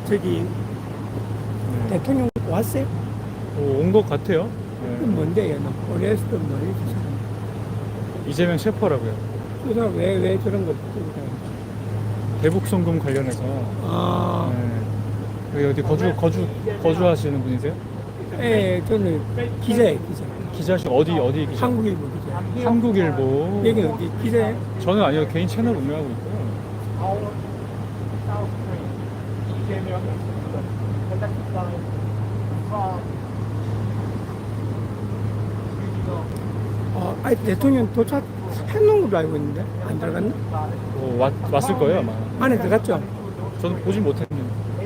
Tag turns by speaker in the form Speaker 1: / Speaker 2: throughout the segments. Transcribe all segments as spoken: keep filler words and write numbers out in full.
Speaker 1: 저기
Speaker 2: 네.
Speaker 1: 대통령 왔어요?
Speaker 2: 온 것 같아요.
Speaker 1: 그
Speaker 2: 네.
Speaker 1: 뭔데 얘는 포레스트 뭐지 저 사람?
Speaker 2: 이재명 셰퍼라고요.
Speaker 1: 그 사람 왜왜 저런 거 들고 다니지?
Speaker 2: 대북송금 관련해서.
Speaker 1: 아,
Speaker 2: 네. 여기 어디 거주 거주 거주하시는 분이세요?
Speaker 1: 예, 저는 기자예요 기자.
Speaker 2: 기자시 어디 어디 기자?
Speaker 1: 한국일보 기자.
Speaker 2: 한국일보.
Speaker 1: 여기 어디 기자예요?
Speaker 2: 저는 아니요, 개인 채널 운영하고 있고요.
Speaker 1: 어, 아니 대통령 도착했는 걸로 알고 있는데 안 들어갔나?
Speaker 2: 어, 왔, 왔을 거예요 아마.
Speaker 1: 안에 들어갔죠?
Speaker 2: 저는 보진 못했는데.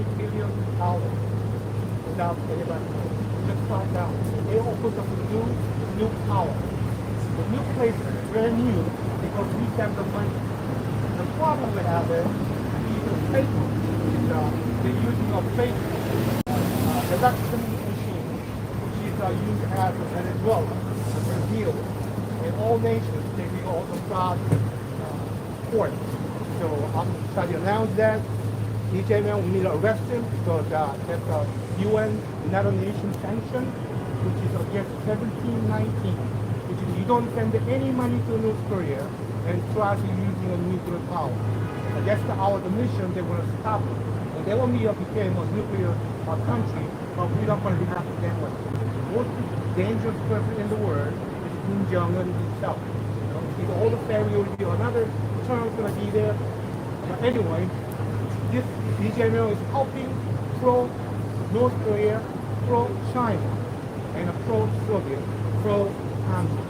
Speaker 3: They opened up a new, new tower. The new place is brand new because we have the money. The problem we have is these are fake. Uh, they're using a fake uh, election machine, which is uh, used as Venezuela, Brazil, and all nations. They be all the fraud uh, court. So I'm trying to announce that. E J man, we need to arrest him because uh, that's a U N United Nations sanction, which is against seventeen nineteen, which is you don't send any money to North Korea and try to using a nuclear power. And that's the, our the mission. They want to stop it. And they want me to become a nuclear uh, country, but we don't want to happen that way. The most dangerous person in the world is Kim Jong-un himself. You know, he's all the family will be another term going to be there. But anyway, this Lee Jae-myung is helping pro-North Korea, pro-China, and a pro-Soviet, pro-Communist.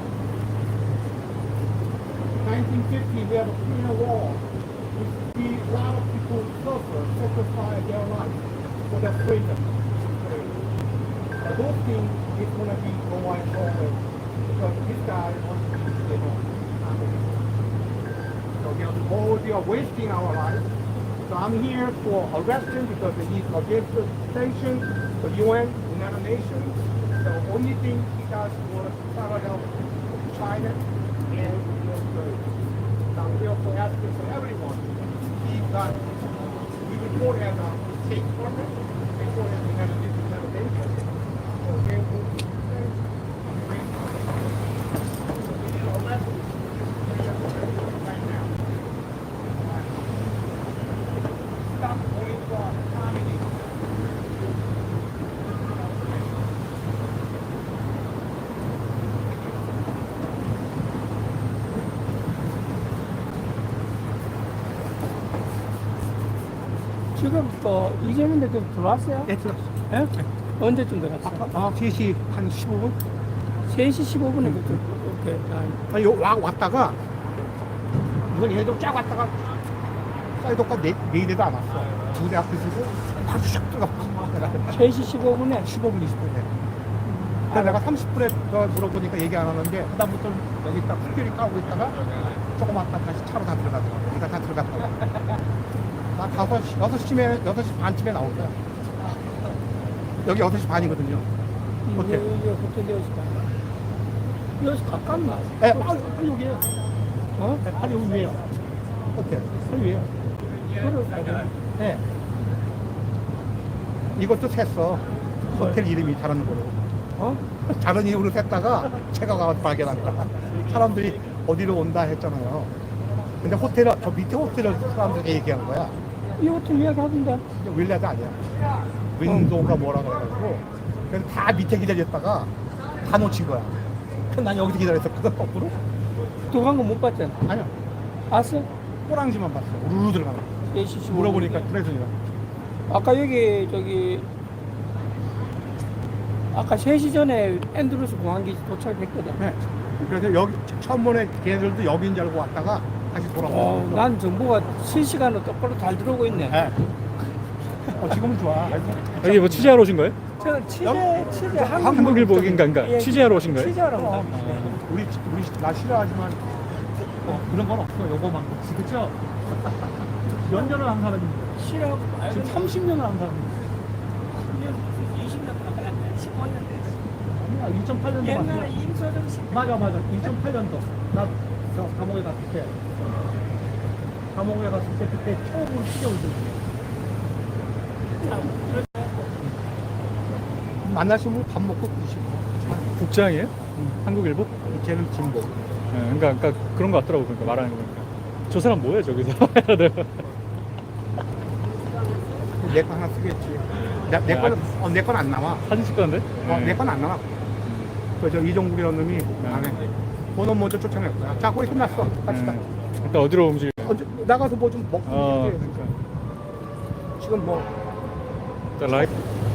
Speaker 3: nineteen fifty, we have a Korean War. We see a lot of people suffer, sacrifice their life for their freedom. But those things is going to be going forward because this guy wants to be stable. So they are, all, they are wasting our lives. So I'm here for arresting because he's against the sanction, the U N, United Nations. The only thing he does was try to help China and North Korea. So I'm here for asking for everyone. He's got, we report as a state government, report as the United Nations, United Nations. So here we arrest him. Right now. Stop going for comedy.
Speaker 1: 지금 또 이재명 대통령 들어왔어요?
Speaker 3: 네, 들었어.
Speaker 1: 예? 언제쯤 들어갔어요?
Speaker 3: 아, 세 시 한 십오 분?
Speaker 1: 세 시 십오 분에 그때 이렇게 아,
Speaker 3: 아니, 요, 와, 왔다가, 이건 얘도 쫙 왔다가, 사이드가 네, 내일에도 안 왔어. 두 대 앞에 서고, 바로 샥 들어갔어.
Speaker 1: 세 시 십오 분에
Speaker 3: 십오 분, 이십 분에. 그래서 내가 삼십 분에 더 물어보니까 얘기 안 하는데, 그다음부터 여기 있다, 풀길이 까고 있다가, 조금 왔다 다시 차로 다 들어가더라고. 여기가 다 들어갔다고. 나 다섯 시, 여섯 시쯤에, 여섯 시 반쯤에 나올 거야. 여기 여섯 시 반이거든요.
Speaker 1: 이제
Speaker 3: 호텔.
Speaker 1: 여기 호텔 되었을까? 여기서 가깝나?
Speaker 3: 예, 바로, 바로 여기에요.
Speaker 1: 어?
Speaker 3: 네, 바로 여기 위에요. 호텔. 바로 위에요.
Speaker 1: 그럴까?
Speaker 3: 네. 이것도 샜어. 호텔 이름이 다른 거로.
Speaker 1: 어?
Speaker 3: 다른 이름으로 샜다가 제가 가서 발견한다. 사람들이 어디로 온다 했잖아요. 근데 호텔을, 저 밑에 호텔을 사람들에게 얘기한 거야.
Speaker 1: 이 호텔 이야기 하던데.
Speaker 3: 윌레드 아니야. 윈도우가 뭐라 그래가지고. 그래서 다 밑에 기다렸다가 다 놓친 거야. 그래서 난 여기서 기다렸었거든, 거꾸로.
Speaker 1: 들어간 거 못 봤잖아.
Speaker 3: 아니야.
Speaker 1: 봤어?
Speaker 3: 꼬랑지만 봤어. 우르르 들어가는 거.
Speaker 1: 세 시 십오 분.
Speaker 3: 물어보니까 그래서요.
Speaker 1: 아까 여기 저기 아까 세 시 전에 앤드루스 공항기 도착했거든.
Speaker 3: 네. 그래서 여기 처음 보내 걔네들도 여기인 줄 알고 왔다가 다시 돌아오고.
Speaker 1: 어, 난 정보가 실시간으로 똑바로 잘 들어오고 있네.
Speaker 3: 네. 어, 지금은 좋아.
Speaker 2: 여기 뭐 취재하러 오신 거예요?
Speaker 1: 저는 취재,
Speaker 3: 여-
Speaker 1: 취재
Speaker 2: 한국일보인가인가?
Speaker 1: 예,
Speaker 2: 취재하러 오신 거예요?
Speaker 1: 취재하러 온
Speaker 3: 어,
Speaker 1: 거야.
Speaker 3: 우리 우리 나 싫어하지만 어, 그런 건 없어. 요거만 그렇죠? 몇 년을 한 사람입니다.
Speaker 1: 싫어.
Speaker 3: 지금 삼십 년을 한 사람입니다.
Speaker 1: 이십 년 가까이 했네. 십오 년 됐어.
Speaker 3: 아니야, 이천팔 년도
Speaker 1: 옛날에
Speaker 3: 맞아.
Speaker 1: 임소정 씨.
Speaker 3: 맞아 맞아. 이천팔 년도 나 저 감옥에 갔을 때 감옥에 갔을 때 그때 처음으로 시켜올 때
Speaker 1: 사람.
Speaker 3: 만나시면 밥 먹고 드시고.
Speaker 2: 국장이에요? 한국 일보?
Speaker 3: 걔는 진보.
Speaker 2: 네, 그러니까, 그러니까 그런 거 같더라고. 그러니까 말하는 거 보니까. 저 사람 뭐해 저기서? 내가
Speaker 3: 내 거 하나 쓰겠지. 내, 내
Speaker 2: 아,
Speaker 3: 거는 어, 내 건 안 나와.
Speaker 2: 사진 찍었는데
Speaker 3: 어, 내 건 안 나와. 그저 이종국이라는 놈이 안 해. 번호 먼저 쫓아낼 거야. 자, 거의 끝났어. 갑시다.
Speaker 2: 일단 어디로 움직여?
Speaker 3: 언제 나가서 뭐 좀 먹고
Speaker 2: 어,
Speaker 3: 이렇게.
Speaker 2: 그러니까.
Speaker 3: 지금 뭐
Speaker 2: 일단 라이브.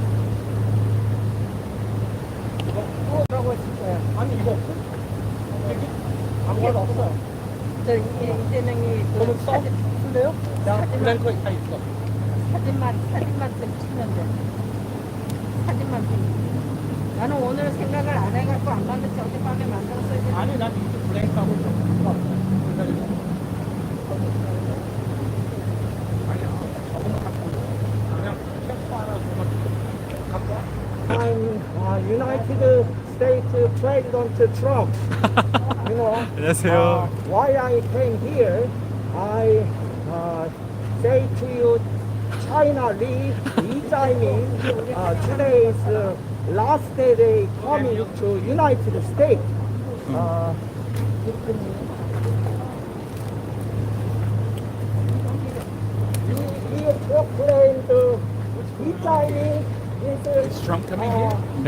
Speaker 3: 이거 뭐라고 했을 거야. 아니 이거 없어? 여기 아무것도 없어.
Speaker 4: 저 이제 이재명이 그
Speaker 3: 그러면 써?
Speaker 4: 사진,
Speaker 3: 쓸래요? 나
Speaker 4: 사진만-
Speaker 3: 블랭크에 다 있어.
Speaker 4: 사진만 사진만 좀 찍으면 돼. 사진만 좀. 나는 오늘 생각을 안 해갖고 안 만들지 어젯밤에 만들었어야 돼.
Speaker 3: 아니 난 이제 블랭크하고 좀 갖고 왔어. 아니야. 저거만 갖고 와. 그냥 캡스 하나 저만 갖고 와. I'm uh, United States President Trump. You know.
Speaker 2: 안녕하세요.
Speaker 3: Uh, why I came here, I uh, say to you, China lead Lee Jae-min. Uh, today is uh, last day they coming to United States. Uh, he, he proclaimed uh, Lee Jae-min is uh,
Speaker 1: Trump coming
Speaker 3: uh,
Speaker 1: here?